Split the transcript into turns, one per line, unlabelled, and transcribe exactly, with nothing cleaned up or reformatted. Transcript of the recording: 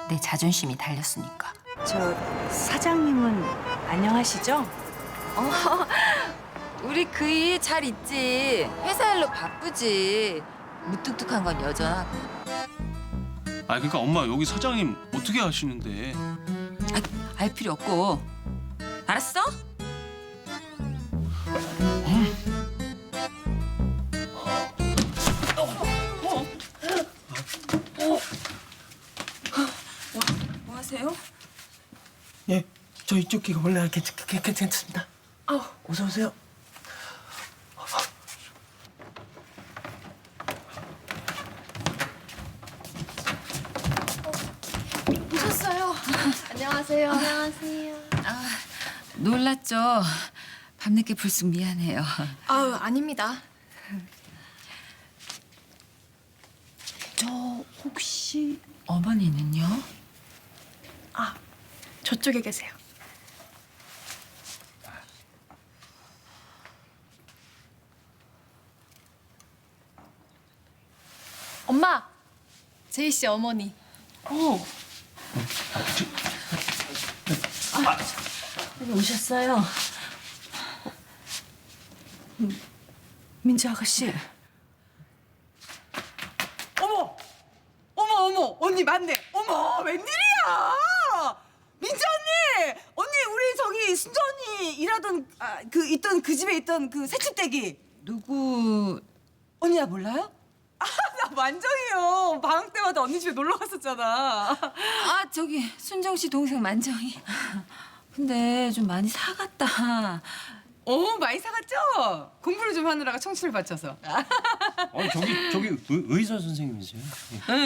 내 자존심이 달렸으니까.
저 사장님은 안녕하시죠?
어, 우리 그이 잘 있지. 회사 일로 바쁘지. 무뚝뚝한 건 여전하고.
아 그러니까 엄마 여기 사장님 어떻게 아시는데?
아, 알 필요 없고. 알았어? 뭐 하세요?
예, 저 이쪽 귀가 원래 괜찮, 괜- 괜찮습니다. 아, 어서 오세요.
오셨어요. 안녕하세요. 안녕하세요.
놀랐죠? 밤늦게 불쑥 미안해요.
아유, 아닙니다.
저 혹시 어머니는요?
아, 저쪽에 계세요. 엄마, 제이 씨 어머니.
오셨어요? 음, 민지 아가씨.
어머, 어머, 어머, 언니 맞네. 어머, 웬일이야? 민지 언니, 언니 우리 저기 순자 언니 일하던 아, 그 있던 그 집에 있던 그 새집대기
누구?
언니 나 몰라요? 아, 나 만정이요. 방학 때마다 언니 집에 놀러 갔었잖아.
아 저기 순정 씨 동생 만정이. 근데 좀 많이 사갔다.
어, 많이 사갔죠? 공부를 좀 하느라가 청춘을 바쳐서.
아니 저기 저기 의, 의사 선생님이세요?